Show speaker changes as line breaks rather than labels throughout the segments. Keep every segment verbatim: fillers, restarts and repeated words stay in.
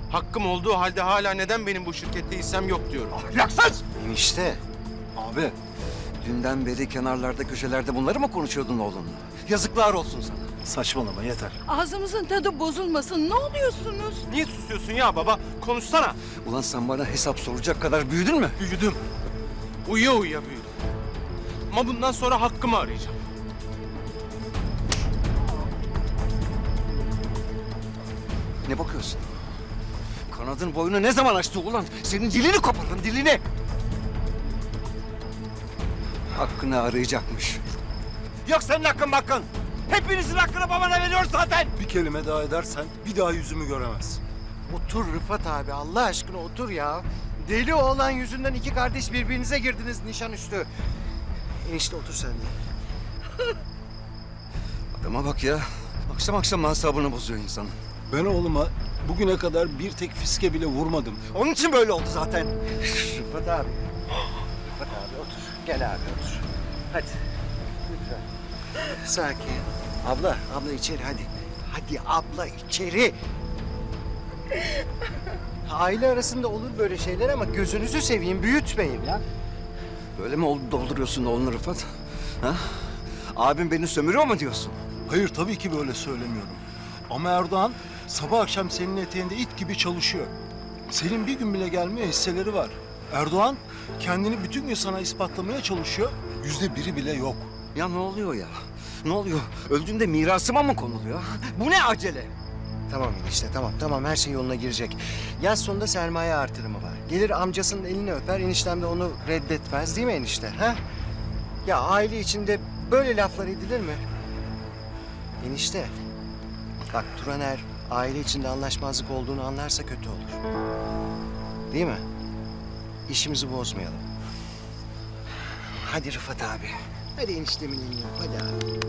Hakkım olduğu halde hala neden benim bu şirkette hissem yok diyorum.
Ahlaksız!
Enişte,
Abi,
dünden beri kenarlarda köşelerde bunları mı konuşuyordun oğlunla? Yazıklar olsun sana.
saçmalama yeter.
Ağzımızın tadı bozulmasın. Ne oluyorsunuz?
Niye susuyorsun ya baba? Konuşsana.
Ulan sen bana hesap soracak kadar büyüdün mü?
Büyüdüm. Uyuya uyuya büyüdüm. Ama bundan sonra hakkımı arayacağım.
Ne bakıyorsun? Kanadın boyunu ne zaman açtı ulan? Senin dilini koparırım, dilini! Hakkını arayacakmış. Yok senin hakkın hakkın. Hepinizin hakkını babana veriyor zaten.
Bir kelime daha edersen bir daha yüzümü göremezsin.
Otur Rıfat abi, Allah aşkına otur ya. Deli oğlan yüzünden iki kardeş birbirinize girdiniz nişan üstü. Enişte otur sen de.
Adama bak ya. Akşam akşam asabını bozuyor insanın.
Ben oğluma bugüne kadar bir tek fiske bile vurmadım.
Onun için böyle oldu zaten.
Rıfat abi. Rıfat abi otur. Gel abi otur. Hadi. Lütfen. Sakin. Abla, abla içeri hadi. Hadi abla içeri. Aile arasında olur böyle şeyler ama gözünüzü seveyim, büyütmeyin ya.
Böyle mi oldu dolduruyorsun oğlunu Rıfat? Ha? Abim beni sömürüyor mu diyorsun?
Hayır tabii ki böyle söylemiyorum. Ama Erdoğan sabah akşam senin eteğinde it gibi çalışıyor. Senin bir gün bile gelmeye hisseleri var. Erdoğan kendini bütün gün sana ispatlamaya çalışıyor. Yüzde biri bile yok.
Ya ne oluyor ya? Ne oluyor? Öldüğünde mirasıma mı konuluyor? Bu ne acele?
Tamam enişte tamam tamam her şey yoluna girecek. Yaz sonunda sermaye artırımı var. Gelir amcasının elini öper, eniştem de onu reddetmez değil mi enişte? Ha? Ya aile içinde böyle laflar edilir mi? Enişte, bak Turaner aile içinde anlaşmazlık olduğunu anlarsa kötü olur. Değil mi? İşimizi bozmayalım. Hadi Rıfat abi. Hadi eniştemin elini öp, hadi abi.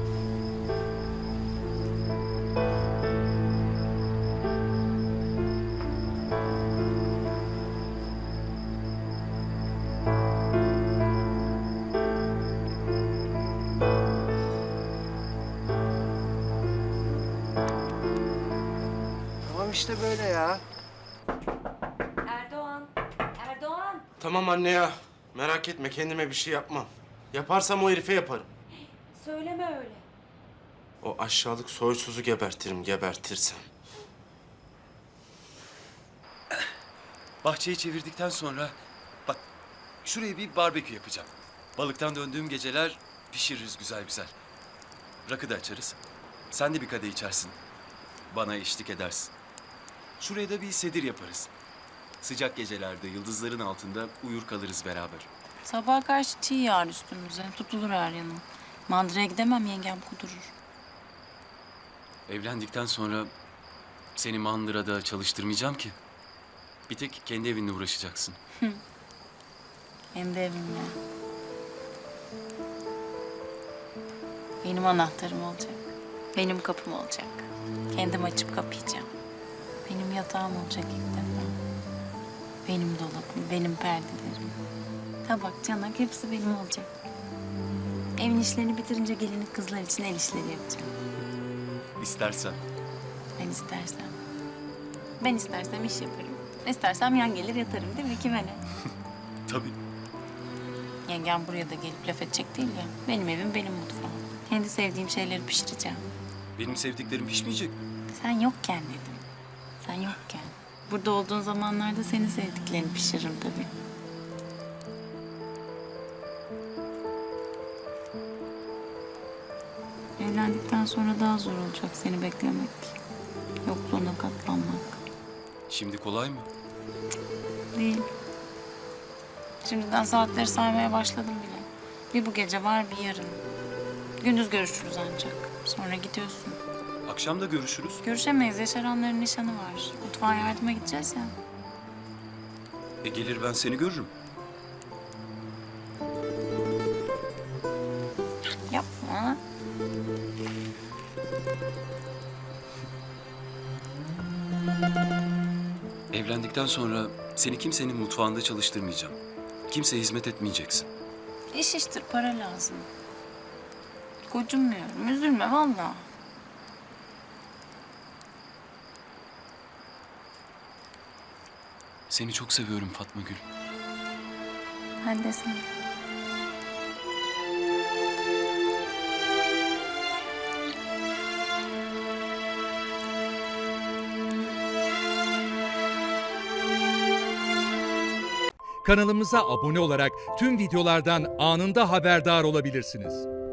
Tamam işte böyle ya.
Erdoğan, Erdoğan.
Tamam anne ya. Merak etme kendime bir şey yapmam. Yaparsam o herife yaparım.
Söyleme öyle.
O aşağılık soysuzu gebertirim gebertirsem.
Bahçeyi çevirdikten sonra bak şuraya bir barbekü yapacağım. Balıktan döndüğüm geceler pişiririz güzel güzel. Rakı da açarız. Sen de bir kadeh içersin. Bana eşlik edersin. Şuraya da bir sedir yaparız. Sıcak gecelerde yıldızların altında uyur kalırız beraber.
Sabaha karşı çiğ yağar üstümüze. Tutulur her yanım. Mandıraya gidemem, yengem kudurur.
Evlendikten sonra seni mandırada çalıştırmayacağım ki. Bir tek kendi evinle uğraşacaksın.
Benim de evimle. Benim anahtarım olacak. Benim kapım olacak. Kendim açıp kapayacağım. Benim yatağım olacak ilk defa. Benim dolabım, benim perdelerim. Tabak, çanak hepsi benim olacak. Evin işlerini bitirince gelinlik kızlar için el işleri yapacağım.
İstersen.
Ben istersem. Ben istersem iş yaparım. İstersem yan gelir yatarım değil mi? Kime ne?
Tabii.
Yengem buraya da gelip laf edecek değil ya. Benim evim, benim mutfağım. Kendi sevdiğim şeyleri pişireceğim.
Benim sevdiklerim pişmeyecek.
Sen yokken dedim. Sen yokken. Burada olduğun zamanlarda senin sevdiklerini pişiririm tabii. Evlendikten sonra daha zor olacak seni beklemek. Yokluğuna katlanmak.
Şimdi kolay mı?
Değil. Şimdiden saatleri saymaya başladım bile. Bir bu gece var, bir yarın. Gündüz görüşürüz ancak. Sonra gidiyorsun.
Akşam da görüşürüz.
Görüşemeyiz. Yaşaranların nişanı var. Mutfağa yardıma gideceğiz ya.
E gelir ben seni görürüm.
Yapma.
Evlendikten sonra seni kimsenin mutfağında çalıştırmayacağım. Kimseye hizmet etmeyeceksin.
İş iştir, para lazım. Gocunmuyorum. Üzülme vallahi.
Seni çok seviyorum Fatma Gül.
Ben de seni.
Kanalımıza abone olarak tüm videolardan anında haberdar olabilirsiniz.